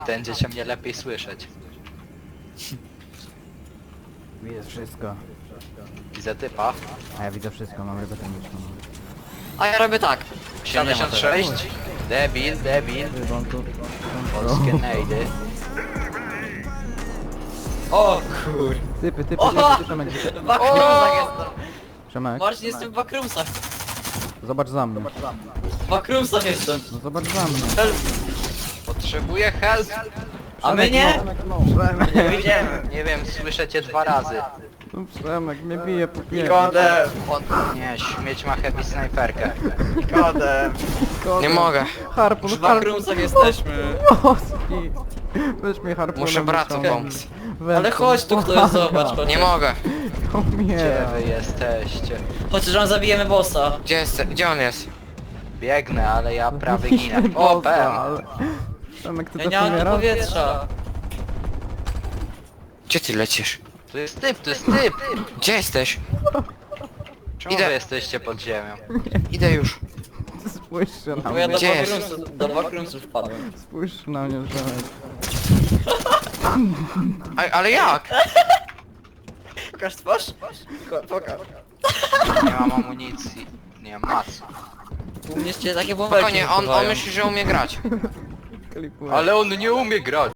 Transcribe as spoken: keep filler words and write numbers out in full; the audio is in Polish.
Będziecie mnie lepiej słyszeć. Widzę wszystko. Widzę typa. A ja widzę wszystko, mam rybę termiczną. A ja robię tak. siedemdziesiąt sześć. Debil, debil. Rybą tu. Polskie nejdy. O kur... Typy, typy, O! typy, Przemek. W backroomsach jestem. Przemek, Marcin, jestem w backroomsach. zobacz za mnie. W backroomsach jestem. No zobacz za mnie. Help. Potrzebuję help. A my nie? Przemek, Nie widziałem. Nie wiem, słyszę cię dwa razy. no Przemek, mnie bije po piersi. Nikodem. On... Nie, śmieć ma heavy snajperkę. Nikodem. Nie mogę. Harpun, W harpun. backroomsach jesteśmy. Oski. Weź mnie harpunem. Muszę bratu wyciągnij. pomóc. Weź Ale to. chodź tu ktoś, zobacz. Chodź. Nie mogę. Gdzie Umiera. wy jesteście? Chociaż on zabijemy bossa. Gdzie jest? Gdzie on jest? Biegnę, ale ja prawie ginę. Bossa, O, pem. ale- Przemek, ty Ja też nie mam tu umierasz? powietrza. Gdzie ty lecisz? Tu jest typ, tu jest typ. Gdzie jesteś? Czemu Idę. wy jesteście pod ziemią? Idę już. Spójrz się na Bo ja mnie. do Gdzie jest? backroomsów, do backroomsów wpadłem. Spójrz na mnie, Przemek. A, ale jak? Pokaż twarz? Pokaż. Nie mam amunicji. Nie mam mac. U mnie się takie bąbelki Spokojnie, on, on wypływają. myśli, że umie grać. Klipuję. Ale on nie umie grać.